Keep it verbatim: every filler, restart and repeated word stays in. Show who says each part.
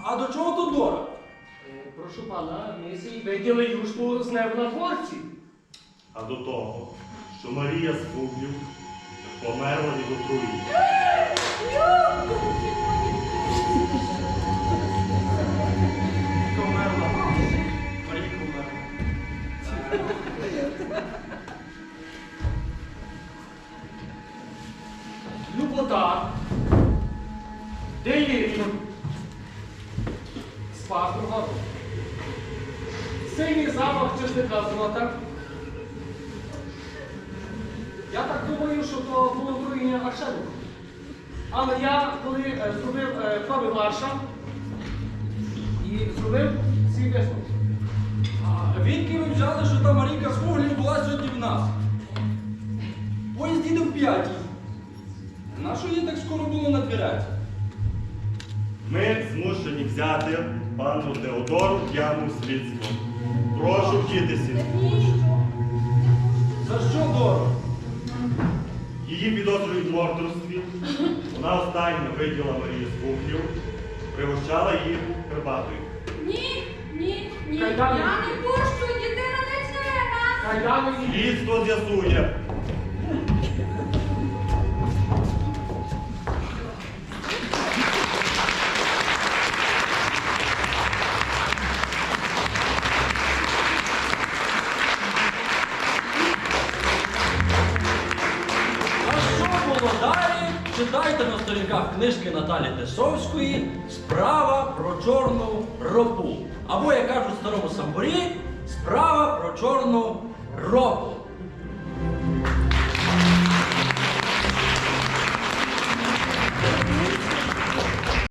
Speaker 1: А до чого тут Дора?
Speaker 2: Е, Прошу пана, ми сі виділи юшку з неба на дворці.
Speaker 3: А до того, що Марія з Бублів померла від отруєння.
Speaker 1: Померла. Марійка померла.
Speaker 2: Любота, деліріум, спас другого. Синій запах чесника золота. Я так думаю, що то було отруєння аршену. Але я, коли е, зробив е, проби Марша і зробив свій висновок.
Speaker 1: А відки ви взяли, що та Марійка з Фуглів була сьогодні в нас? Поїзд їде в п'ятій. Нащо її так скоро було на дверях?
Speaker 3: Ми змушені взяти пану Теодору в яму слідство. Прошу вчитися.
Speaker 1: За що, Доро?
Speaker 3: Її підозрюють в мордорстві. Вона останньо виділа Марію з Бублів, пригощала її Карпатою.
Speaker 4: Ні, ні, ні.
Speaker 2: Кайдани.
Speaker 4: Я не пущу, дитина не чне.
Speaker 2: Кайдани і
Speaker 3: Слідство з'ясує.
Speaker 1: А що було далі? Читайте на сторінках книжки Наталі Тесовської «Справа про чорну ропу». Або, як кажуть в старому самбурі, «Справа про чорну ропу».